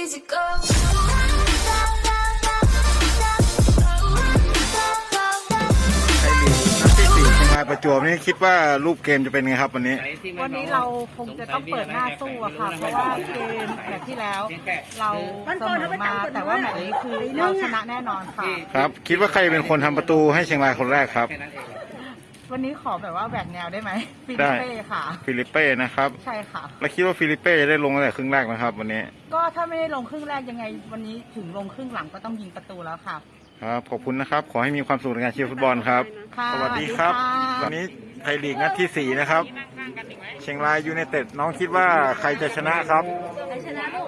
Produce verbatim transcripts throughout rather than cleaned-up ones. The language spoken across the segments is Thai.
Easy go. ไทยลีกนัดที่สี่เชียงรายประจวบนี่คิดว่ารูปเกมจะเป็นไงครับวันนี้วันนี้เราคงจะต้องเปิดหน้าสู้อะค่ะ เพราะว่าเกมแบบที่แล้วเราเสมอมาแต่ว่าแมตช์นี้คือเราชนะแน่นอนค่ะครับ คิดว่าใครเป็นคนทำประตูให้เชียงรายคนแรกครับวันนี้ขอแบบว่าแหวกแนวได้ไหมฟิลิได้ปเป้ค่ะฟิลิปเป้นะครับใช่ค่ะแล้วคิดว่าฟิลิปเป้จะได้ลงตั้งแต่ครึ่งแรกนะครับ วันนี้ก็ถ้าไม่ได้ลงครึ่งแรกยังไง วันนี้ถึงลงครึ่งหลังก็ต้องยิงประตูแล้วค่ะครับขอบคุณนะครับ ขอให้มีความสุขในการเชียร์ฟุตบอลครับค่ะสวัสดีครับสวัสดีค่ะวันนี้ไทยลีกนัดที่สี่นะครับ เชียงรายยูไนเต็ดน้องคิดว่าใครจะชนะครับใครชนะลูก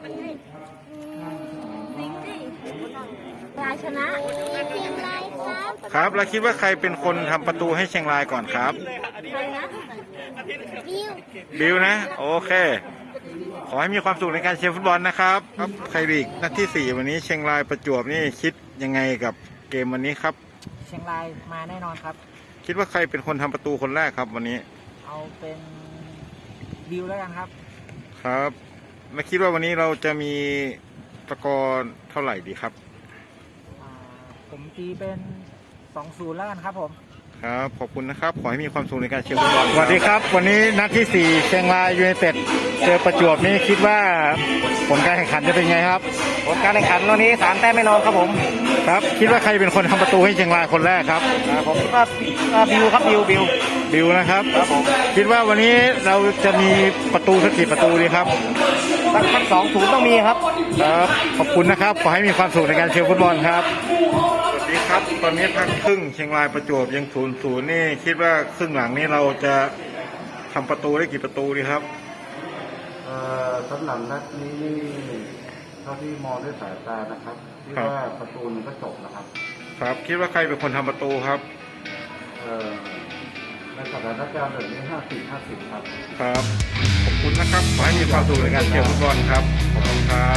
สิงสิรายชนะเชียงรายครับครับ แล้วคิดว่าใครเป็นคนทำประตูให้เชียงรายก่อนครับใครนะบิวบิวนะ โอเค ขอให้มีความสุขในการเชียร์ฟุตบอลนะครับครับไทยลีกนัดที่สี่วันนี้เชียงรายประจวบนี่คิดยังไงกับเกมวันนี้ครับเชียงรายมาแน่นอนครับคิดว่าใครเป็นคนทำประตูคนแรกครับวันนี้เอาเป็นบิวแล้วกันครับครับและคิดว่าวันนี้เราจะมีสกอร์เท่าไหร่ดีครับผมตีเป็น สองศูนย์ แล้วกันครับผมครับขอบคุณนะครับขอให้มีความสุขในการเชียร์ฟุตบอลสวัสดีครับวันนี้นัดที่สี่เชียงรายยูไนเต็ดเจอประจวบนี่คิดว่าผลการแข่งขันจะเป็นไงครับผลการแข่งขันวันนี้สามแต้มไม่นอนครับผมครับคิดว่าใครเป็นคนทำประตูให้เชียงรายคนแรกครับผมคิดว่าบิวครับบิวบิวบิวนะครับคิดว่าวันนี้เราจะมีประตูสักกี่ประตูดีครับสักสักสองศูนย์ต้องมีครับครับขอบคุณนะครับขอให้มีความสุขในการเชียร์ฟุตบอลครับสวัสดีครับตอนนี้พักครึ่งเชียงรายประจวบยังศูนย์ศูนย์นี่คิดว่าครึ่งหลังนี้เราจะทำประตูได้กี่ประตูดีครับเอ่อสำหรับนัดนี้นี่เท่าที่มองด้วยสายตานะครับที่ครับว่าประตูมันก็จบนะครับครับคิดว่าใครเป็นคนทำประตูครับเอ่อในสถานการณ์แบบนี้ห้าสิบห้าสิบครับครับขอบคุณนะครับขอให้มีความสุขในการเชียร์ฟุตบอลครับขอบคุณครับ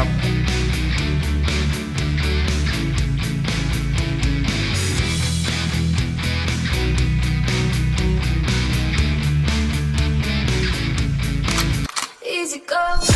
Easy go.